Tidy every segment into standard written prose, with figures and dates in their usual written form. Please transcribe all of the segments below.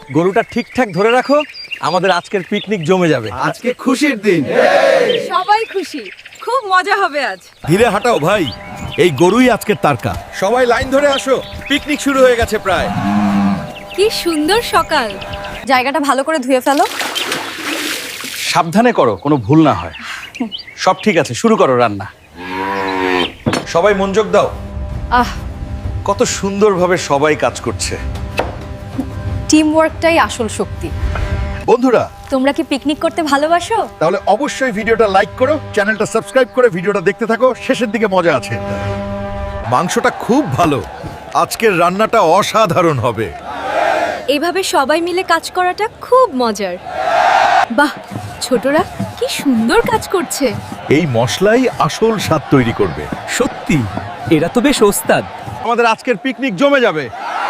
গরুটা ঠিকঠাক ধরে রাখো, আমাদের আজকের পিকনিক জমে যাবে। আজকে খুশির দিন। সবাই খুশি, খুব মজা হবে আজ। ধীরে হাঁটাও ভাই, এই গরুই আজকের তারকা। সবাই লাইন ধরে আসো, পিকনিক শুরু হয়ে গেছে প্রায়। কি সুন্দর সকাল। জায়গাটা ভালো করে ধুয়ে ফেলো। সাবধানে করো, কোনো ভুল না হয়। সব ঠিক আছে, শুরু করো রান্না। সবাই মনোযোগ দাও। আহ, কত সুন্দরভাবে সবাই কাজ করছে। টিম ওয়ার্কটাই আসল শক্তি। বন্ধুরা, তোমরা কি পিকনিক করতে ভালোবাসো? তাহলে অবশ্যই ভিডিওটা লাইক করো, চ্যানেলটা সাবস্ক্রাইব করে ভিডিওটা দেখতে থাকো, শেষের দিকে মজা আছে। মাংসটা খুব ভালো, আজকের রান্নাটা অসাধারণ হবে। এইভাবে সবাই মিলে কাজ করাটা খুব মজার। বাহ, ছোটরা কি সুন্দর কাজ করছে। এই মশলাই আসল স্বাদ তৈরি করবে। সত্যি এরা তো বেশ ওস্তাদ। আমাদের আজকের পিকনিক জমে যাবে।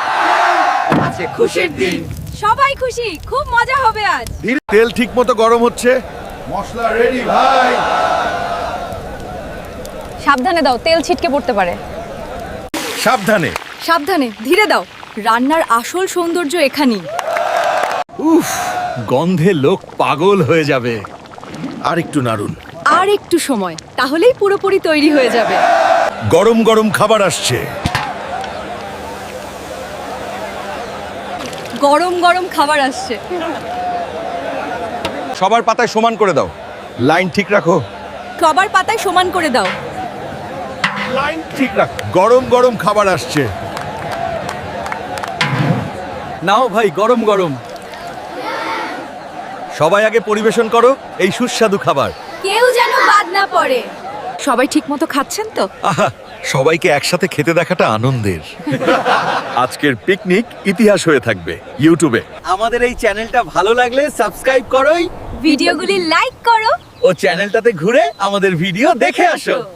খুশির দিন, সবাই খুশি, খুব মজা হবে আজ। তেল ঠিকমতো গরম হচ্ছে, মশলা রেডি ভাই। সাবধানে দাও, তেল ছিটকে পড়তে পারে। সাবধানে। সাবধানে, ধীরে দাও। রান্নার আসল সৌন্দর্য এখানেই। উফ, গন্ধে লোক পাগল হয়ে যাবে। আর একটু নাড়ুন। আর একটু সময়, তাহলেই পুরোপুরি তৈরি হয়ে যাবে। গরম গরম খাবার আসছে। গরম গরম খাবার আসছে। সবার পাতায় সমান করে দাও। লাইন ঠিক রাখো। সবার পাতায় সমান করে দাও। লাইন ঠিক রাখ। গরম গরম খাবার আসছে। নাও ভাই, গরম গরম। সবাই আগে পরিবেশন করো এই সুস্বাদু খাবার। কেউ যেন বাদ না পড়ে। সবাই ঠিকমতো খাচ্ছেন তো? আহা, সবাইকে একসাথে খেতে দেখাটা আনন্দের। আজকের পিকনিক ইতিহাস হয়ে থাকবে ইউটিউবে। আমাদের এই চ্যানেলটা ভালো লাগলে সাবস্ক্রাইব করোই ভিডিওগুলি লাইক করো ও চ্যানেলটাতে ঘুরে আমাদের ভিডিও দেখে আসো।